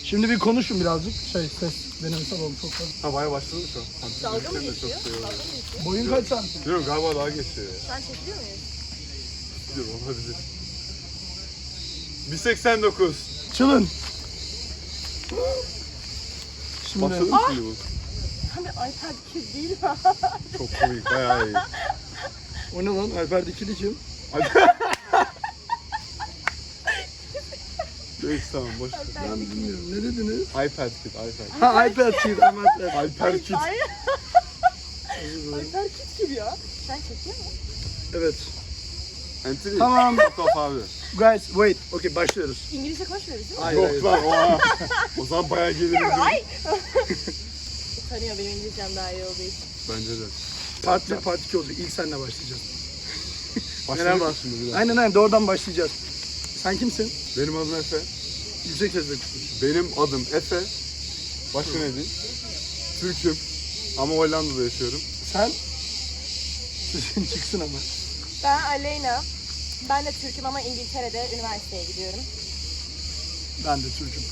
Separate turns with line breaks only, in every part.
Şimdi bir konuşun birazcık. Ses denemesel oldu çok fazla.
Ha bayağı başladı mı şu an?
Dalga mı geçiyor?
Çok
Dalga mı geçiyor?
Boyun kaç santim?
Biliyorum galiba daha geçiyor ya.
Sen çekiliyor muyuz?
Biliyorum olabilir. 1.89.
Çılın. Şimdi
Başladı mı şimdi bu?
Hani iPad kid değil mi?
Çok komik, bayağı iyi.
o ne lan? Alper Dikili kim?
Neyse tamam boş ver.
Ben bilmiyorum. Ne dediniz?
iPad Kid, iPad.
Ha iPad Kid. Ama iPad.
Alper Kid.
Ay. iPad kid gibi ya. Sen çekiyor musun?
Evet.
Anthony.
Tamam.
Fotoğraf abi.
Guys wait. Okay başlıyoruz.
İngilizce konuşmuyoruz değil mi?
Hayır, hayır.
Yok lan oha. O zaman bayağı geliriz.
Ay. Tanıyor benim İngilizcem daha iyi olduğu için.
Bence de.
Part 1, Part 2 olacak. İlk seninle başlayacağız.
Başladık
Merhaba.
mı şimdi bir daha?
Aynen doğrudan başlayacağız. Sen kimsin?
Benim adım Efe.
Yüksek sesle konuş.
Benim adım Efe. Başka ne diyeyim? Türk'üm. Ama Hollanda'da yaşıyorum.
Sen? Sesin çıksın ama.
Ben Aleyna. Ben de Türk'üm ama İngiltere'de üniversiteye gidiyorum.
Ben de Türk'üm.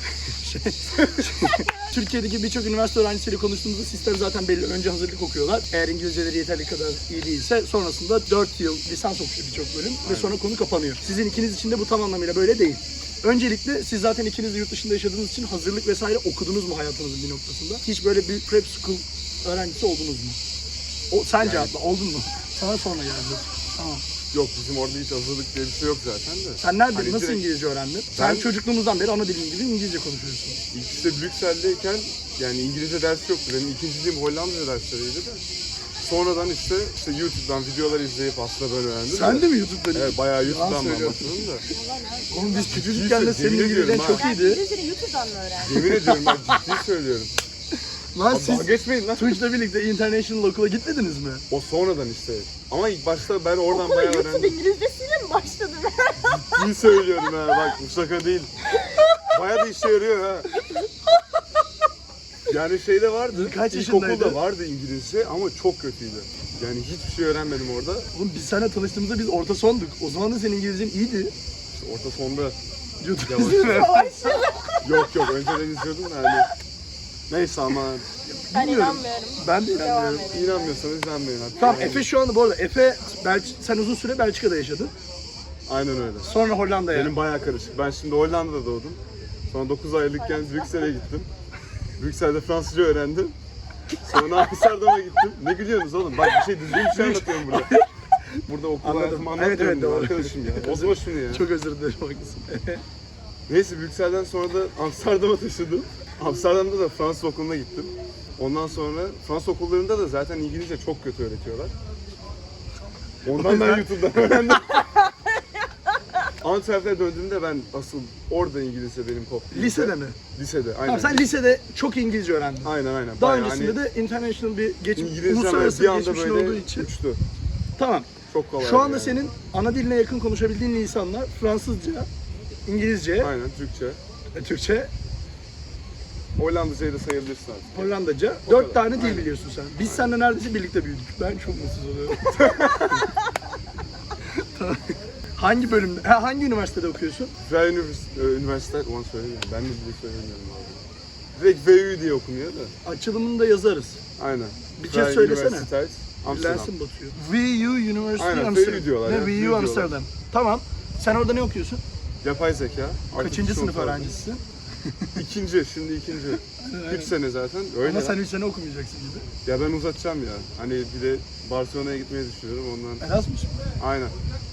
Türkiye'deki birçok üniversite öğrencisiyle konuştuğumuzda sistem zaten belli. Önce hazırlık okuyorlar. Eğer İngilizceleri yeterli kadar iyi değilse sonrasında 4 yıl lisans okuyor birçok bölüm ve sonra konu kapanıyor. Sizin ikiniz için de bu tam anlamıyla böyle değil. Öncelikle siz zaten ikiniz de yurt dışında yaşadığınız için hazırlık vesaire okudunuz mu hayatınızın bir noktasında? Hiç böyle bir prep school öğrencisi oldunuz mu? Sen cevapla, oldun mu? Sana sonra geldi. Tamam.
Yok bizim orada hiç hazırlık diye bir şey yok zaten de.
Sen nerede,
Hani
nasıl
direkt-
İngilizce öğrendin? Sen çocukluğumuzdan beri ana dilin gibi İngilizce konuşuyorsun.
İlk işte Brüksel'deyken yani İngilizce dersi yoktu. Benim ikinciliğim Hollandaca dersleriydi de. Sonradan işte YouTube'dan videolar izleyip aslında böyle öğrendim.
Sen de mi YouTube'dan?
Evet bayağı YouTube'dan ben
söylüyorsun.
başladım da.
Oğlum biz küçücükken de senin
Yemin
İngilizcen
ediyorum
çok
Ben
iyiydi.
İngilizceyi YouTube'dan mı öğrendin?
Yemin ediyorum ben ciddi söylüyorum.
Lan
Abi dalga
siz
geçmeyin lan.
Tunç'la birlikte international okula gitmediniz mi?
O sonradan işte. Ama ilk başta ben oradan
Okula
bayağı
YouTube
öğrendim.
İngilizcesiyle mi başladın?
Ciddi söylüyorum ha bak bu şaka değil. Bayağı da işe yarıyor ha. Yani şeyde vardı,
Kaç yaşındaydın?
ilkokulda vardı İngilizce ama çok kötüydü. Yani hiçbir şey öğrenmedim orada.
Oğlum biz seninle tanıştığımızda biz orta sonduk. O zaman da senin İngilizcen iyiydi.
İşte orta sonda
YouTube
Yavaş.
izledin mi?
yok önceden izliyordum da hani. Neyse ama
Ben
Bilmiyorum.
inanmıyorum.
Ben de
Devam
inanmıyorum.
edelim.
inanmıyorsanız inanmayın artık.
Tamam
Yani
Efe şu anda bu arada sen uzun süre Belçika'da yaşadın.
Aynen öyle.
Sonra Hollanda'ya.
Benim bayağı karışık. Ben şimdi Hollanda'da doğdum. Sonra 9 aylıkken Brüksel'e gittim. Brüksel'de Fransızca öğrendim. Sonra Amsterdam'a gittim. Ne gülüyorsunuz oğlum? Bak bir şey düzgün bir şey anlatıyorum burada. Burada okul
Anladım.
hayatımı
Evet,
anlatıyorum
evet, doğru.
arkadaşım ya. Bozma şunu ya.
Çok özür dilerim haklısın.
Neyse Brüksel'den sonra da Amsterdam'a taşındım. Amsterdam'da da Fransız okuluna gittim. Ondan sonra Fransız okullarında da zaten İngilizce çok kötü öğretiyorlar. Ondan ben YouTube'dan öğrendim. Antwerp'e döndüğümde ben asıl orada İngilizce benim koptu.
Lisede mi?
Lisede, aynen.
Tamam sen lisede çok İngilizce öğrendin.
Aynen.
Daha
Bayağı
öncesinde de international bir
İngilizce
uluslararası
bir
bir
anda
geçmişin
böyle
olduğu için.
uçtu.
Tamam.
Çok kolay.
Şu anda
yani.
senin ana diline yakın konuşabildiğin lisanlar Fransızca, İngilizce,
Aynen Türkçe.
Türkçe,
Hollandacayı da sayabilirsin artık.
Hollandaca.
O
4
kadar.
tane dil
Aynen.
biliyorsun sen. Biz seninle neredeyse birlikte büyüdük. Ben çok mutsuz oluyorum. Tamam. Hangi bölümde, hangi üniversitede okuyorsun?
Vrij Üniversite, ulan söylemiyorum. Ben de bile söylemiyorum abi. Direkt VU diye okunuyor da.
Açılımını da yazarız.
Aynen.
Bir kez
Vrij
söylesene.
Universiteit, Amsterdam.
Lensin batıyor. VU University
Aynen,
Amsterdam.
VU diyorlar
Ne,
ya, VU
VU
diyorlar.
Amsterdam. Tamam. Sen orada ne okuyorsun?
Yapay zeka.
Kaçıncı sınıf
öğrencisi?
öğrencisisin?
Şimdi ikinci. 3 sene zaten. Öyle.
Ama
Ama
sen 3 sene okumayacaksın gibi.
Ya ben uzatacağım ya. Hani bir de Barcelona'ya gitmeyi düşünüyorum ondan.
Erasmus mu?
Aynen.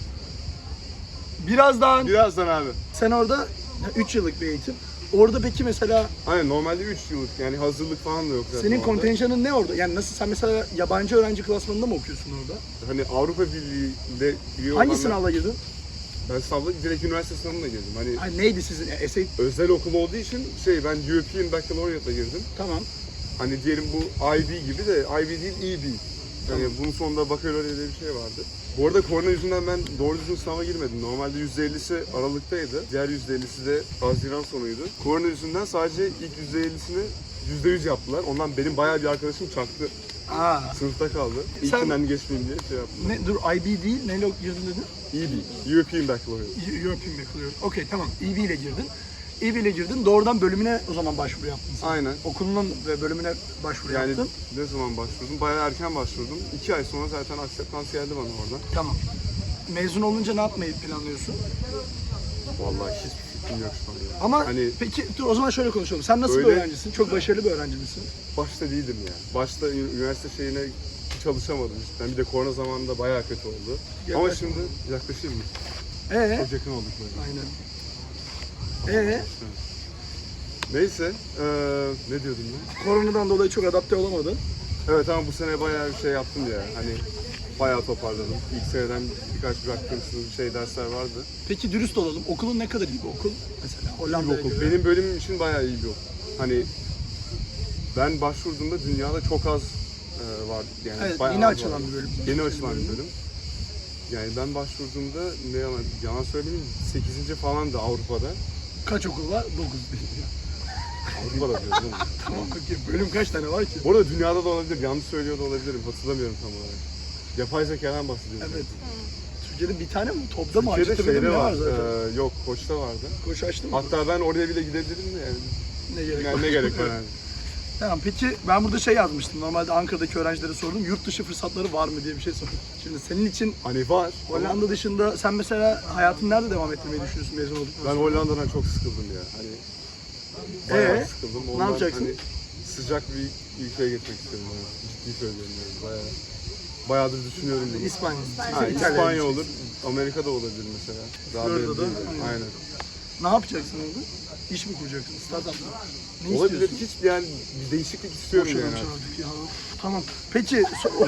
Birazdan
abi.
sen orada 3 yıllık bir eğitim. Orada peki mesela
Aynen normalde 3 yıllık yani hazırlık falan da yok zaten
senin
orada.
kontenjanın ne orada? Yani nasıl sen mesela yabancı öğrenci klasmanında mı okuyorsun orada?
Hani Avrupa Birliği'nde üye
Hangi
olanlar-
sınavla girdin?
Ben sınavda direkt üniversite sınavına girdim. Hani
Ay, neydi sizin essay?
özel okul olduğu için ben European Baccalaureate'la girdim.
Tamam.
Hani diyelim bu IB gibi de IB değil EB. Yani bunun sonunda baccalaureate diye bir şey vardı. Bu arada korona yüzünden ben doğru düzgün sınava girmedim. Normalde %50'si Aralık'taydı. Diğer %50'si de Haziran sonuydu. Korona yüzünden sadece ilk %50'sini %100 yaptılar. Ondan benim bayağı bir arkadaşım çaktı.
Aa.
Sınıfta kaldı.
Sen-
İlkinden geçmeyeyim diye şey yaptım.
Ne, dur IB değil, neyle girdin dedin?
EB, European Baccalaureate.
European Baccalaureate. Okey tamam, EB ile girdin. İBİ'yle girdin. Doğrudan bölümüne o zaman başvuru yaptın sen.
Aynen.
Okulunun ve bölümüne başvuru
Yani
yaptın.
ne zaman başvurdum? Bayağı erken başvurdum. 2 ay sonra zaten aksept geldi bana oradan.
Tamam. Mezun olunca ne yapmayı planlıyorsun?
Vallahi hiçbir fikrim yok şu an ya.
Ama
Hani
peki dur o zaman şöyle konuşalım. Sen nasıl bir
Öyle-
öğrencisin? Çok başarılı bir öğrenci misin?
başta değildim ya. Başta üniversite şeyine çalışamadım cidden. Bir de korona zamanında bayağı kötü oldu. Ama
Yaklaş.
şimdi yaklaşayım mı?
Ee?
Çok yakın olduk böyle.
Aynen.
Neyse, ne diyordum ben?
Koronadan dolayı çok adapte olamadın.
Evet ama bu sene bayağı bir şey yaptım ya. Hani bayağı toparladım. İlk seneden birkaç bıraktığım dersler vardı.
Peki dürüst olalım. Okulun ne kadar iyi bir okul? Mesela
İyi
Hollanda'ya
bir okul.
göre.
Benim bölümüm için bayağı iyi bir okul. Hani ben başvurduğumda dünyada çok az vardı. Yani
Evet,
bayağı
yeni
az
açılan
vardı.
bir bölüm.
Yeni açılan bir bölüm. Yani ben başvurduğumda ne yalan söyleyeyim 8. falan da Avrupa'da.
Kaç okul var? 9.
Avrupa'da diyorum değil mi?
Tamam peki. Bölüm kaç tane var ki?
Bu arada dünyada da olabilir, yanlış söylüyor da olabilirim. Hatırlamıyorum tam olarak. Yapay zekadan bahsediyorum.
Evet. Türkiye'de bir tane mi? Topda mı?
Türkiye'de
Hacettepe'de mi
şeyde
ne
var,
var zaten?
yok Koç'ta vardı.
Koç açtın mı?
Hatta ben oraya bile gidebilirim de yani.
Ne gerek
Yani
var?
ne gerek var yani.
Tamam peki ben burada şey yazmıştım. Normalde Ankara'daki öğrencilere sordum. Yurt dışı fırsatları var mı diye bir şey sordum. Şimdi senin için
Hani var. ama
Hollanda dışında sen mesela hayatını nerede devam ettirmeyi düşünüyorsun mezun olduktan
Ben
sonra?
Hollanda'dan çok sıkıldım ya. Hani bayağı sıkıldım.
Ne
Ondan
yapacaksın?
Hani sıcak bir ülkeye geçmek istiyorum. Yani. Ciddi söylüyorum yani. Bayağıdır düşünüyorum bunu.
İspanya.
Ha,
İtalya
İspanya
gideceksin.
olur, Amerika'da olabilir mesela. Daha
Florida'da,
belli değil.
aynen.
Aynen.
Ne yapacaksın orada? İş mi kuracaksın? Startup mı? Ne
Olabilir.
istiyorsun?
Hiç yani bir değişiklik istiyorum
Boş
yani.
adam çağırdık ya. Of, tamam. Peki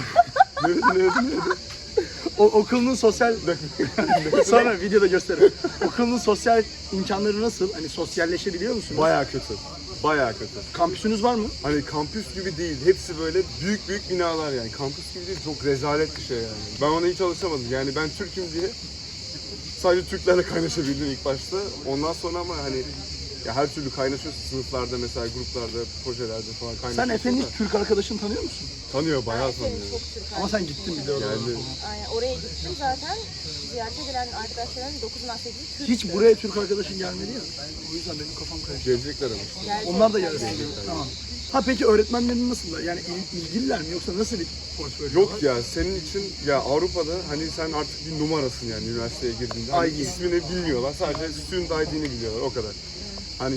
Ne?
okulun sosyal sonra videoda gösteririm. Okulun sosyal imkanları nasıl? Hani sosyalleşebiliyor musunuz?
Bayağı kötü. Bayağı kötü.
Kampüsünüz var mü?
Hani kampüs gibi değil. Hepsi böyle büyük büyük binalar yani. Kampüs gibi değil. Çok rezalet bir şey yani. Ben ona hiç alışamadım. Yani ben Türk'üm diye sadece Türklerle kaynaşabildim ilk başta. Ondan sonra ama hani ya her türlü kaynaşıyorsun sınıflarda mesela gruplarda, projelerde falan kaynaşıyorsun.
Sen Efe'nin
da.
hiç Türk arkadaşını tanıyor musun?
Tanıyor, bayağı
Senin
tanıyor.
çok Türk
Ama sen gittin bir de oraya.
Geldi.
Aynen oraya gittim zaten. Ziyarete gelen arkadaşların 9'undan 8'i Türk.
Hiç buraya Türk arkadaşın gelmedi ya. O yüzden benim kafam karıştı.
Gelecekler ama işte.
Onlar da gelsin. Tamam. Ha peki öğretmenlerin nasıl? Yani ilgililer mi yoksa nasıl bir portföy
Yok
var?
ya senin için ya Avrupa'da hani sen artık bir numarasın yani üniversiteye girdiğinde. Hani
ID.
ismini bilmiyorlar sadece student ID'ni biliyorlar o kadar. Hani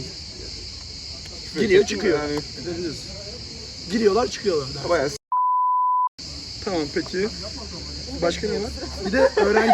Giriyor çıkıyor.
Yani
Edebiliriz. Giriyorlar çıkıyorlar.
bayağı
Tamam peki. Başka ne var? Bir de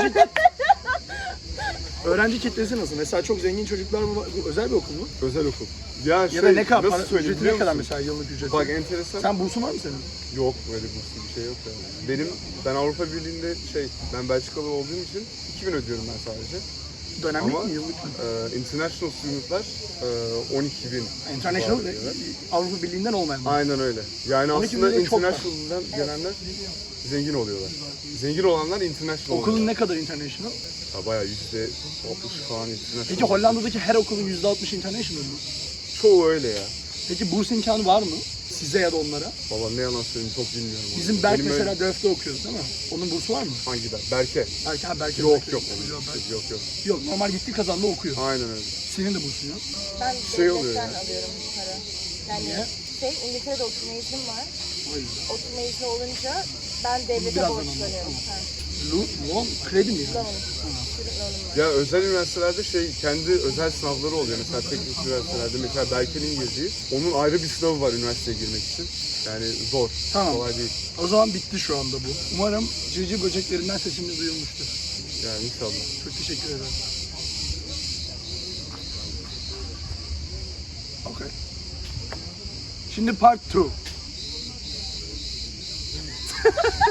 öğrenci kitlesi nasıl? Mesela çok zengin çocuklar mı var? Bu özel bir okul mu?
özel okul. Ya,
Ya da ne kadar?
nasıl
Para,
söyleyeyim
ücreti
biliyor
ne kadar
musun?
mesela yıllık ücreti?
Bak enteresan.
Sen bursun var mı senin?
Yok öyle burslu bir şey yok yani. Ben Avrupa Birliği'nde ben Belçikalı olduğum için 2000 ödüyorum ben sadece.
Dönemlik
Ama
mi yıllık mı?
international studentlar 12.000.
International
var diyorlar.
Avrupa Birliği'nden olmayan mı?
Aynen öyle. Yani
12.000
aslında
de çok var.
international'dan gelenler zengin oluyorlar. Zengin olanlar international
Okulun
oluyorlar.
ne kadar international?
Ya bayağı %60 falan international.
Peki Hollanda'daki her okulun %60 international mı?
Çoğu öyle ya.
Peki burs imkanı var mı? Size ya da onlara?
Baba ne yalan söyleyeyim çok bilmiyorum. onu.
Bizim Berk
Benim
mesela
öyle-
DÖF'te okuyoruz değil mi? Onun bursu var mı?
Hangi Berk? Berke.
Belki
Yok
Berk.
yok.
Berk.
Yok yok.
Yok normal gitti kazandı okuyor.
Aynen öyle.
Senin de bursun yok.
Ben
Şey oluyor
devletten
ya.
alıyorum para. Yani
Niye?
İngiltere'de oturma iznim var.
O yüzden.
Oturma izni olunca ben devlete
Birazdan
borçlanıyorum. Ha.
Loan, kredi mi yani?
Loan. Student loan'um var.
Ya özel üniversitelerde kendi özel sınavları oluyor. Mesela teknik üniversitelerde mesela Berke'nin girdiği onun ayrı bir sınavı var üniversiteye girmek için. Yani zor.
Tamam.
Kolay değil.
O zaman bitti şu anda bu. Umarım civciv böceklerinden sesimiz duyulmuştur.
Yani inşallah.
Çok teşekkür ederim. Okay. Şimdi part 2.